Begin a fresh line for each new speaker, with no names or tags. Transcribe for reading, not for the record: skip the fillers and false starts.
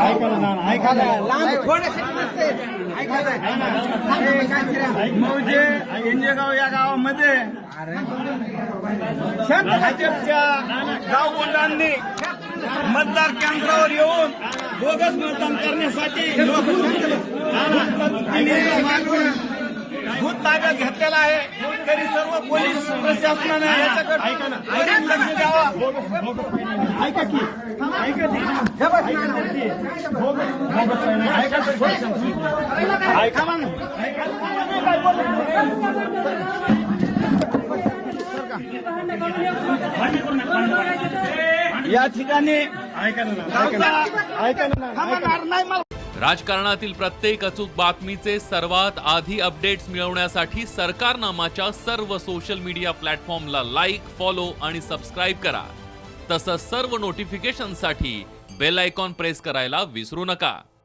मौजे इंजेगाव या गावामध्ये भाजपच्या गावगुंडांनी मतदार केंद्रावर येऊन बोगस मतदान करण्यासाठी भूत ताब्यात घेतलेला आहे। तरी सर्व पोलीस प्रशासनाने याच्याकडे लक्ष द्यावं। या ठिकाणी
राजकारणातील प्रत्येक अचूक बातमीचे सर्वात आधी अपडेट्स मिळवण्यासाठी सरकारनामाच्या सर्व सोशल मीडिया प्लॅटफॉर्मला लाईक, फॉलो आणि सबस्क्राईब करा। तसंच सर्व नोटिफिकेशनसाठी बेल आयकॉन प्रेस करायला विसरू नका।